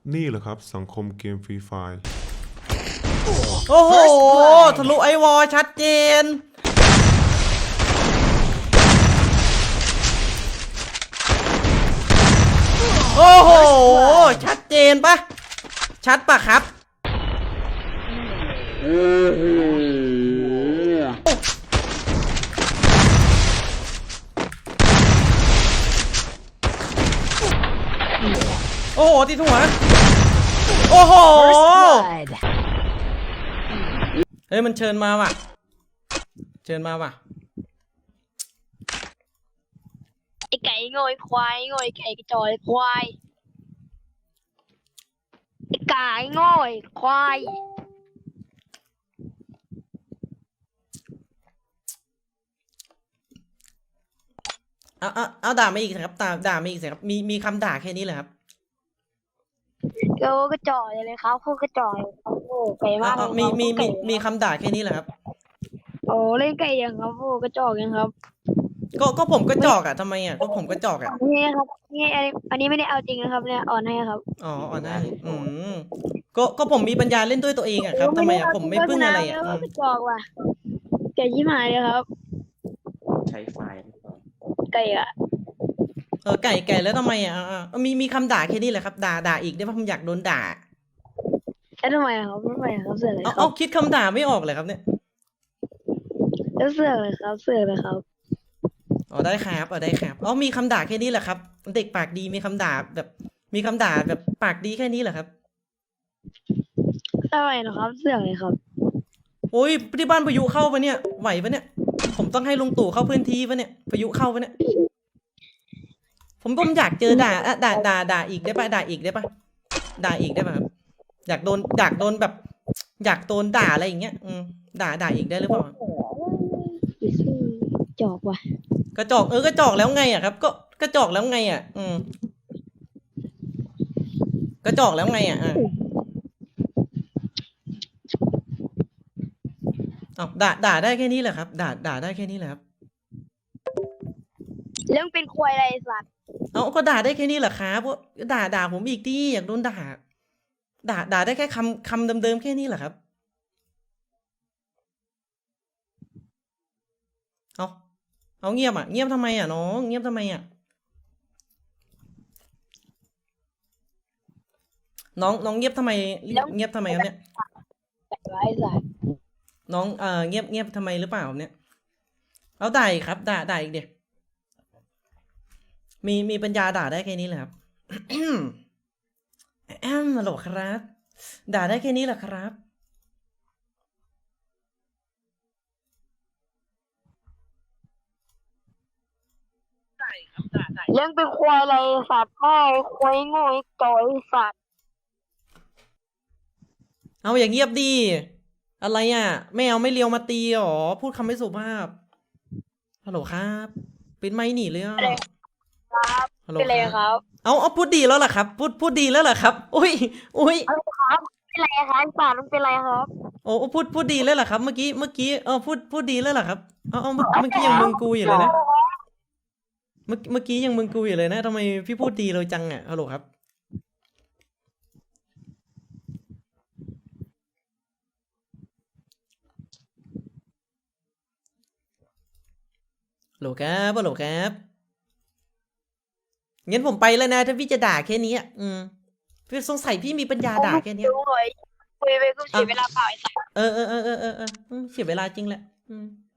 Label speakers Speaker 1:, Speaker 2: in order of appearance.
Speaker 1: นี่แหละครับสังคมเกมฟรีไฟร์
Speaker 2: โอ้โหทะลุไอวอลชัดเจนโอ้โหชัดเจนปะชัดปะครับโอ้โหติดหัวโอ้โหเฮ้ยมันเชิญมาว่ะเชิญมาว่ะ
Speaker 3: ไอไก่โง่ไอควายโง่ไอไก่กระจอยควายไอไก่โง่ไอควาย
Speaker 2: เอาด่ามาอีกครับด่ามาอีกสิครับมีคำด่าแค่นี้เลยครับ
Speaker 3: ก็กระจอยเลยครับพวกกระจอยเขาโง่ไก่มาก
Speaker 2: มีคำด่าแค่นี้แหละครับ
Speaker 3: โอ้เล่นไก่ยังครับพวกกระจอกยังครับ
Speaker 2: ก็ผมก็จอกอ่ะทำไมอ่ะก็ผมก็จอกอ่ะ
Speaker 3: นี่ครับนี่อันนี้ไม่ได้เอาจริงนะครับเนี่ยอ่อนให้ครับ
Speaker 2: อ๋อได้ก็ผมมีปัญญาเล่นด้วยตัวเองอ่ะครับทำไมอ่ะผมไม่พึ่งอะไรอ่ะ
Speaker 3: กระจอกว่ะไก่ยี่หมายเลยครับ
Speaker 4: ใช้ไฟล์
Speaker 3: ไก่อะ
Speaker 2: ไก่แล้วทำไมอ่ะมีคำด่าแค่นี้แหละครับด่าอีกได้ป่ะผมอยากโดนด่า
Speaker 3: แล้วทำไมอะครับทำไมอะครับเสือกเลยค
Speaker 2: เอา
Speaker 3: รับ
Speaker 2: คิดคำด่าไม่ออกเลยครับเนี่ย
Speaker 3: แล้วเสือกเลยครับเสือกเลยครับ
Speaker 2: ได้ครับได้ครับมีคำด่าแค่นี้แหละครับเด็กปากดีมีคำด่าแบบมีคำด่าแบบปากดีแค่นี้แหละครับ
Speaker 3: ทำไมเหรอครับเสือกเลยครับ
Speaker 2: โอ้ยที่บ้านพายุเข้าปะเนี่ยไหวปะเนี่ยผมต้องให้ลุงตู่เข้าพื้นที่ปะเนี่ยพายุเข้าปะเนี่ยผมอยากเจอด่าอีกได้ปะด่าอีกได้ปะด่าอีกได้ปะครับอยากโดนแบบ อยากโดนด่าอะไรอย่างเงี้ยด่าอีกได้หรือเปล่า
Speaker 3: จอกว่ะ
Speaker 2: กระจอกกระจอกแล้วไงอ่ะครับ ก็กระจอกแล้วไงอ่ะกระจอกแล้วไงอ่ะด่าได้แค่นี้แหละครับด่าได้แค่นี้แหละครับ
Speaker 3: เรื่องเป็นควายอะไรสัตว์
Speaker 2: ก็ด่าได้แค่นี้แหละครับว่าด่าผมอีกดิอยากโดนด่าได้แค่คำเดิมๆแค่นี้แหละครับเอาเงียบเงียบทำไมน้องเงียบทำไมน้องเงียบทำไมเงียบทำไมครับเนี่ย
Speaker 3: แต่ไรสัตว์
Speaker 2: น้องเงียบทำไมหรือเปล่าเนี่ยเอาด่าอีกครับด่าอีกเดี๋ยวมีปัญญาด่าได้แค่นี้แหละครับ ฮัลโหลครับด่าได้แค่นี้แหละครับ
Speaker 3: เรื่องเป็นควายอะไรสัตว์พ่อควายโง่จอยสัตว์
Speaker 2: เอาอย่างเงียบดีอะไรไม่เอาไม่เลียวมาตีหรอพูดคำไม่สุภาพฮัลโหลครับเป็นไม่หนีเลย
Speaker 3: ครับ
Speaker 2: ฮัลโหล
Speaker 3: เป็นไรครับ
Speaker 2: เอาพูดดีแล้วล่ะครับพูดดีแล้วล่ะครับอุ้ย
Speaker 3: ครับเป็นไรครับสัตว์มันเป็นไรครับ
Speaker 2: โอ้พูดดีแล้วล่ะครับเมื่อกี้พูดดีแล้วล่ะครับเอาเมื่อกี้ยังมึงกูอยู่เลยนะเมื่อกี้ยังมึงกูอยู่เลยนะทำไมพี่พูดดีเลยจังฮัลโหลครับฮัลโหลครับฮัลโหลครับงั้นผมไปแล้วนะถ้าพี่จะด่าแค่นี้พี่สงสัยพี่มีปัญญาด่าแค่นี้
Speaker 3: ดูหน่อยคุยไปก็เสียเวลาเปล่าไอ้สัตว์
Speaker 2: เสียเวลาจริงแหละ